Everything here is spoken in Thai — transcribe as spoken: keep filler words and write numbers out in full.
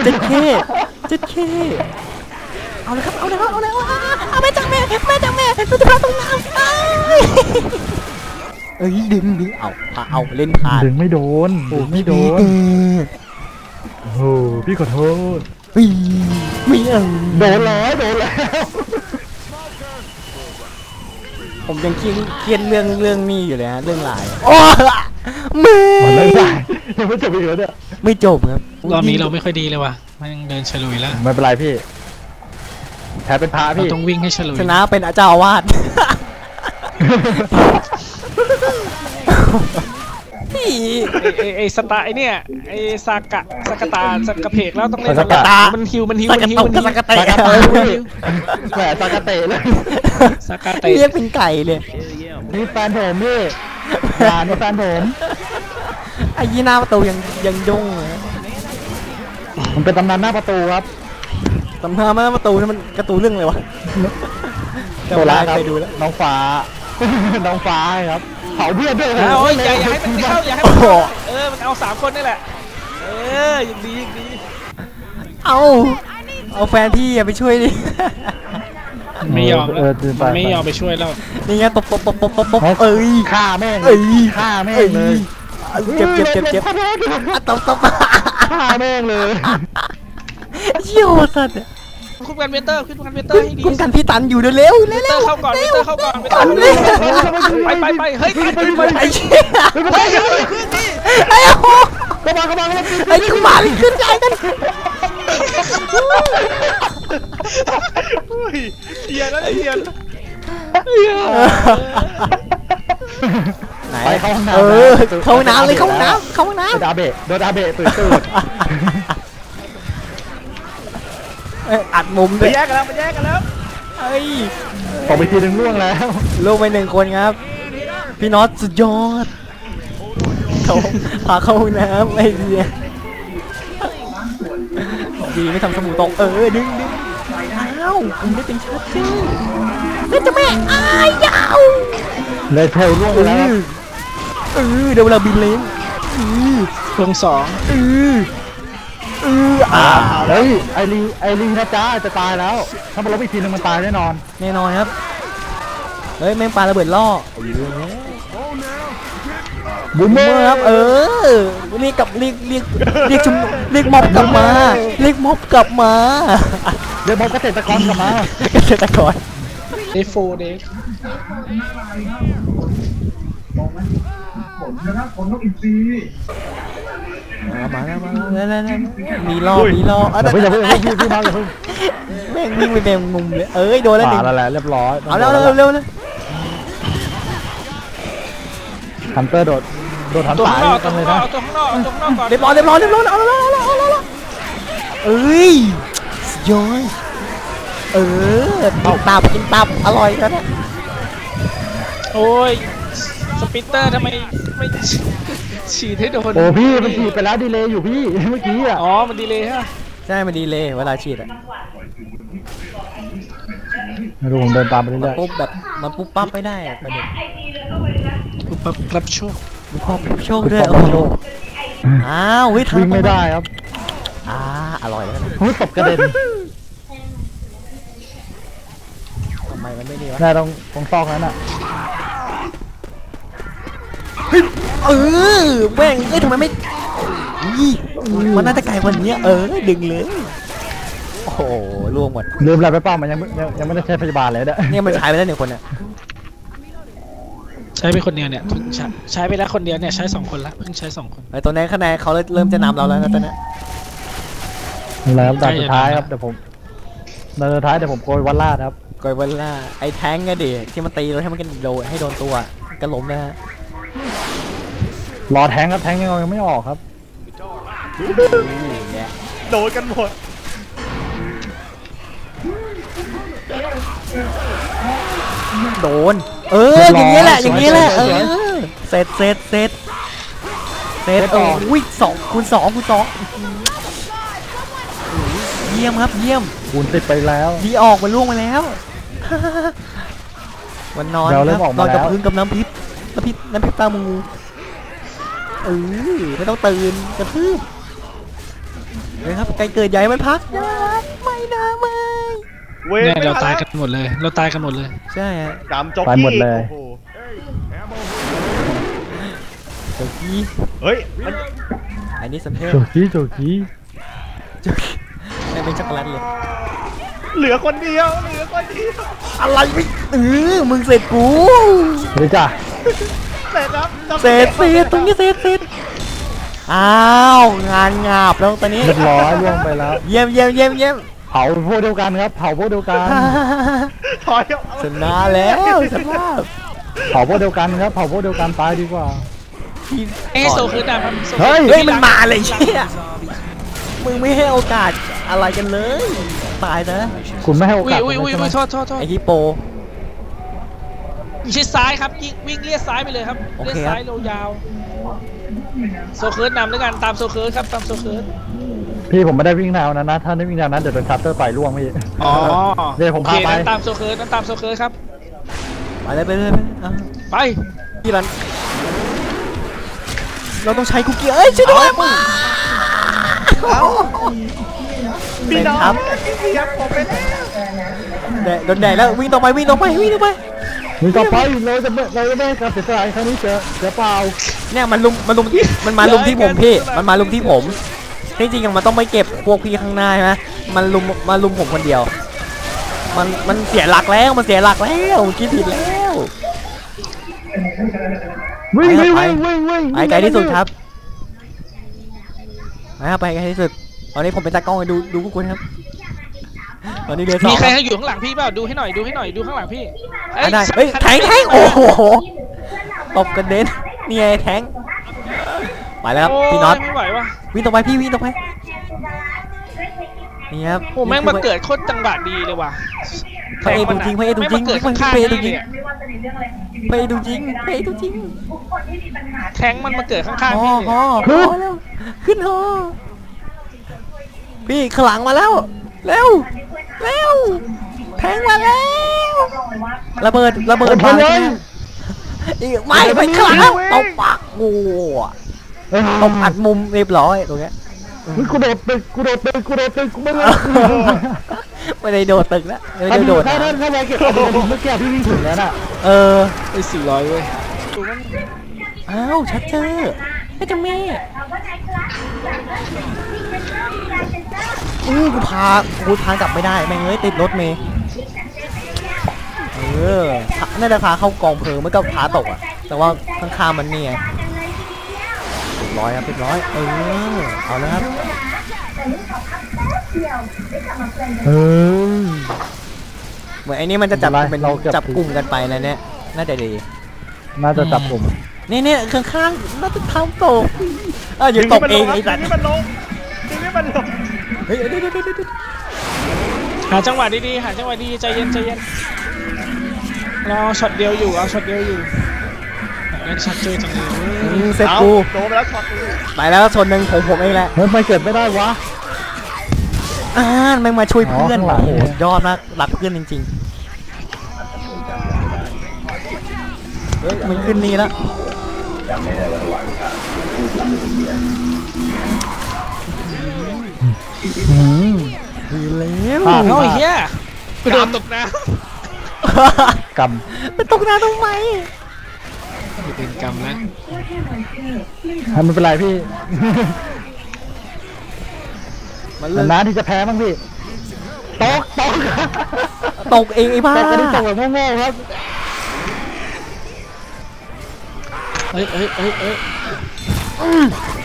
เจ็ดเคเจ็ดเคเอาเลยครับเอาเลยครับเอาเลยเอาแม่จังแม่แม่จังแม่เราจะพาตรงน้ำเอ้ยดึงดึงเอาพาเอาเล่นพาดึงไม่โดนดึงไม่โดนโอ้โหพี่ขอโทษไม่ไม่เออโดนแล้วโดนแล้วผมยังเครียดเครียดเรื่องเรื่องนี้อยู่เลยฮะเรื่องหลายโอ้แม่เรื่องหลายยังไม่จบอีกแล้วเนี่ยไม่จบครับรอบนี้เราไม่ค่อยดีเลยว่ะมันยังเดินฉลุยแล้วไม่เป็นไรพี่แพ้เป็นพระพี่ต้องวิ่งให้ฉลุยชนะเป็นเจ้าอาวาสพี่ไอ้สตาไอเนี่ยไอ้สากะสกตาสกเพกแล้วต้องเล่นสกตามันฮิวมันฮิวมันฮิวมันฮิวสกเตะแหมสกเตะเลยสกเตะเรียกเป็นไก่เลยนี่แฟนผมพี่งานนี่แฟนผมไอ้ยี่หน้าประตูยังยังยุ่งเลยมันเป็นตำนานหน้าประตูครับตำนานหน้าประตูนี่มันการ์ตูนเรื่องอะไรวะตัวร้ายครับน้องฟ้าน้องฟ้าครับเผาเพื่อนด้วยนะโอ้ยอย่าอย่าให้มันเข้าอย่าให้มันเข้าเออมันเอาสามคนนี่แหละเออยังดียังดีเอาเอาแฟนพี่อย่าไปช่วยดิไม่ยอมแล้วไม่ยอมไปช่วยแล้วนี่ไงตบตบตบตบตบตบเอ้ยฆ่าแม่งเอ้ยฆ่าแม่งเลยเจ็บเจ็บเจ็บเจ็บตบตบฆ่าแม่งเลยเชี่ยวสัตว์คุณกันเวเตอร์คุณกันเวเตอร์ให้ดีคุณกันพี่ตันอยู่เร็วเร็วเร็วเข้าก่อนเวเตอร์เข้าก่อนเวเตอร์ไปไปไปเฮ้ยไปไอ้เชี่ยไอ้โหกระบะกระบะกระบะไอ้นี่กูมาเลยขึ้นใจกันเทียนแล้วเทียนไหนเข้าห้องน้ำเออเข้าห้องน้ำเลยเข้าห้องน้ำเข้าห้องน้ำดาเบะโดดาเบะตื่นตื่นอัดมุมด้วยแยกกันแล้วมันแยกกันแล้วเฮ้ยออกไปทีนึงล่วงแล้วล่วงไปหนึ่งคนครับพี่น็อตสุดยอดเขาพาเข้าห้องน้ำไอ้เดียดีไม่ทำสมูตกเออดึงดึงอ้าวคุณได้เป็นชัดเจนแล้วจะแม่อ้ายยาวเลยเทลล่วงแล้วเออเดี๋ยวเราบินเล้งลงสองเออเอออ่าเฮ้ยไอรีไอรีนะจ๊ะจะตายแล้วถ้ามันลบอีกทีนึงมันตายแน่นอนแน่นอนครับเฮ้ยแม่งปลาระเบิดล่อบูมเมอร์ครับเออเรียกกับเรียกเรียกเรียกชุมเรียกม็อบกลับมาเรียกม็อบกลับมาเรียกม็อบเกษตรกรกลับมาเกษตรกรเดฟโฟเดฟผมนะครับผมต้องอินซีมาแล้วมาแล้วแล้วมีล้อมีล้อเดี๋ยวเดี๋ยวพี่พี่มาเดี๋ยวพี่แม่งวิ่งไปแมงมุมเลยเอ้ยโดนแล้วหนึ่งแล้วแหละเรียบร้อยเอาแล้วเร็วเร็วเลยฮันเตอร์โดดโดดทันสายกันเลยนะตัวข้างนอกตัวข้างนอกก่อนเรียบร้อยเรียบร้อยเรียบร้อยเอาแล้วเอาแล้วเอาแล้วเอ้ยย้อยเออกินตับกินตับอร่อยกันนะโอ้ยสปิตเตอร์ทำไมไม่ฉีดให้โดนโอ้พี่มันฉีดไปแล้วดีเลยอยู่พี่เมื่อกี้อ่ะอ๋อมันดีเลยฮะใช่มันดีเลยเวลาฉีดอ่ะไม่รู้ผมเดินตามไปเรื่อยๆปุ๊บแบบมันปุ๊บปั๊บไม่ได้อะประเด็นปุ๊บปั๊บรับโชคปุ๊บปั๊บโชคด้วยโอ้โหอ้าววิ่งไม่ได้ครับอ่าอร่อยแล้วหุ้ยตบกระเด็นทำไมมันไม่ดีวะได้ตรงตรงซอกนั้นอ่ะเออแม่งเอ้ยทำไมไม่มันน่าจะไกลกว่านี้เออดึงเลยโอ้โหล่วงหมดลืมอะไรไปเปล่ามันยังยังไม่ได้ใช้พยาบาลเลยเนี่ยเนี่ยมันใช้ไปแล้วหนึ่งคนเนี่ยใช้ไปคนเดียวเนี่ยใช้ไปแล้วคนเดียวเนี่ยใช้สองคนละเพิ่งใช้สองคนไอ้ตัวนี้คะแนนเขาเริ่มจะนำเราแล้วนะตอนนี้แล้วด่านสุดท้ายครับเดี๋ยวผมด่านสุดท้ายเดี๋ยวผมโกยวันล่าครับโกยวันล่าไอ้แท้งไงดิที่มันตีเราให้มันกันโดนให้โดนตัวกระล้มนะฮะรอแทงครับแทงยังยังไม่ออกครับโดนกันหมดโดนเอออย่างนี้แหละอย่างนี้แหละเออเสร็จเสร็จเสร็จเสร็จเออวิ่งสองคูณสองคูณสองเยี่ยมครับเยี่ยมคูณติดไปแล้วดีออกมันล่วงมาแล้ววันนอนครับนอนกับพื้นกับน้ำพริกน้ำพริกน้ำพริกตามูเออไม่ต้องตื่นกระทืบเฮ้ยครับไก่เกิดใหญ่มันพักนะไม่นะไม่เว้ยเนี่ยไม่เราทันตายแล้วกันหมดเลย เราตายกันหมดเลยใช่ฮะดำจ็อกตายกี้หมดเลยโอ้โหโจกี้เฮ้ยมันอันนี้สัมเพลโจกี้โจกี้โจกี้ไม่เป็นช็อกโกแลตเลยเหลือคนเดียวเหลือคนเดียวอะไรไม่เออมึงเสร็จกูเฮ้ยจ้ะเสร็จครับจ็อกเสร็กี้จเสร็จตรงนี้เสร็จเสร็จอ้าว งานงาบแล้วตอนนี้เรียบร้อยล่วงไปแล้วเยี่ยมเยี่ยมเยี่ยมเยี่ยมเผาพวกเดียวกันครับ เผาพวกเดียวกันถอยเอาชนะแล้วสภาพเผาพวกเดียวกันครับ เผาพวกเดียวกันตายดีกว่าเอ้ยโซคือดำครับโซเฮ้ยเฮ้ยมันมาเลยเชี่ยมึงไม่ให้โอกาสอะไรกันเลย ตายนะคุณไม่ให้โออุ้ยกาสผอุ้ยมอุ้ยใช่ไหมอุ้ยโทษโทษโทษไอฮิปโปชิดซ้ายครับยิงวิ่งเลียดซ้ายไปเลยครับโอเลียเคดครับซ้ายยาวๆโซเคิร์ดนำด้วยกันตามโซเคิร์ดครับตามโซเคิร์ดพี่ผมไม่ได้วิ่งแนวนั้นนะ ถ้าได้วิ่งแนวนั้นเดี๋ยวโดนชัตเตอร์ต่อยล่วงพี่อ๋อเดี๋ยวผมโอเคพาไปนั้นตามโซเคิร์ดนั้นตามโซเคิร์ดครับไปเลยไปเลยไปเลยเอาไปพี่รันเราต้องใช้คุกกี้เอ้ยช่วยด้วยมึงพี่น้องครับพี่ครับผมไปแล้วแดดโดนแดดแล้ววิ่งต่อไปวิ่งต่อไปวิ่งต่อไปมีต่อไปเราจะไม่เราจะไม่การเสียสละครั้งนี้เสียเสียเปล่าเนี่ยมันลุมมันลุมมันมาลุมที่ผมพี่มันมาลุมที่ผมที่จริงๆมันต้องไม่เก็บพวกพี่ข้างหน้าใช่ไหมมันลุมมาลุมผมคนเดียว มันมันเสียหลักแล้วมันเสียหลักแล้วคิดผิดแล้ววิ่งไปวิ่งครับวิ่งวิ่งวิ่งไปไกลที่สุดครับไปครับไปไกลที่สุดตอนนี้ผมเป็นตากล้องให้ดูดูพวกคุณครับตอนนี้เรือสองมีใครอยู่ข้างหลังพี่เปล่าดูให้หน่อยดูให้หน่อยดูข้างหลังพี่อ่ะได้เฮ้ยแทงแทงโอ้โหตบกระเด็นนี่ไงแทงไปแล้วครับพี่น็อตโยไม่ไหววะวิ่งต่อไปพี่วิ่งต่อไปนี่ครับโอ้แม่งมาเกิดโคตรจังหวะดีเลยว่ะพระเอกตัวจริงพระเอกตัวจริงแม่มาเกิดพระข้างเอกๆตัวจริงนี่พระเอกตัวจริงพระเอกตัวจริงแทงมันมาเกิดข้างฮๆอพี่ฮอฮอแล้วขึ้นฮอพี่ข้างหลังมาแล้วเร็วเร็วแทงมาแล้วระเบิดระเบิดไปเลยอีกไม่ไปข้างหลังแล้วตบปากกูตบอัดมุมเรียบร้อยตรงเนี้ยกูโดดตึกกูโดดตึกกูโดดตึกกูไม่เลยไม่ได้โดดตึกแล้วไม่ถ้าได้โดโดดดถ้านะถ้าถ้าเราเก็บอะดรีนาลีนเมื่อกี้พี่วิ่งถึงแล้วน่ะเออไอ้สี่ร้อยเว้ยอ้าวชัดเจอไอ้เจ้าแม่อือกูพากูพากลับไม่ได้แม่งเอ้ยติดรถเมย์เออน่าจะพาเข้ากองเพลิงไม่ก็พาตกอ่ะแต่ว่าข้างๆมันนี่ไงเรียบร้อยครับเรียบร้อยเออเอาแล้วครับเออเหมือนไอ้นี่มันจะจับไม่เป็นไรเป็นเราเก็บจับกลุ่มกันไปนะเนี่ยน่าจะดีน่าจะจับผมนี่เนี่ยข้างๆน่าจะทำตกเอออย่าตกเองไอ้สัตว์ดึงให้มันลงดึงให้มันลงเฮ้ยเดี๋ยวเดี๋ยวเดี๋ยวเดี๋ยวหาจังหวะดีๆหาจังหวะดีใจเย็นใจเย็นรอช็อตเดียวอยู่เอาช็อตเดียวอยู่เล่นช็อตเจอจังเลยอืมเสร็จเอากูโดนไปแล้วช็อตกูไปแล้วชนหนึ่งผมผมเองแหละเฮ้ยไม่เกิดไม่ได้วะอ่าแม่งมาช่วยเพื่อนอ๋อข้างหลังโอ้โหเนี่ยยอดมากรักเพื่อนจริงๆเฮ้ยมันขึ้นนี่แล้วอืมดีแล้วอ่ะโอ้ยเฮียกูโดนตกน้กเป็นตกน้ำทำไมำเป็นกรรมแล้วำไม่เป็นไรพี่มันเลิกนานๆที่จะแพ้บ้างพี่ตกตกตกเองไอ้บ้าแต่ก็ได้ตกแบบโง่ๆครับเฮ้ยเฮ้ยเฮ้ยเฮ้ย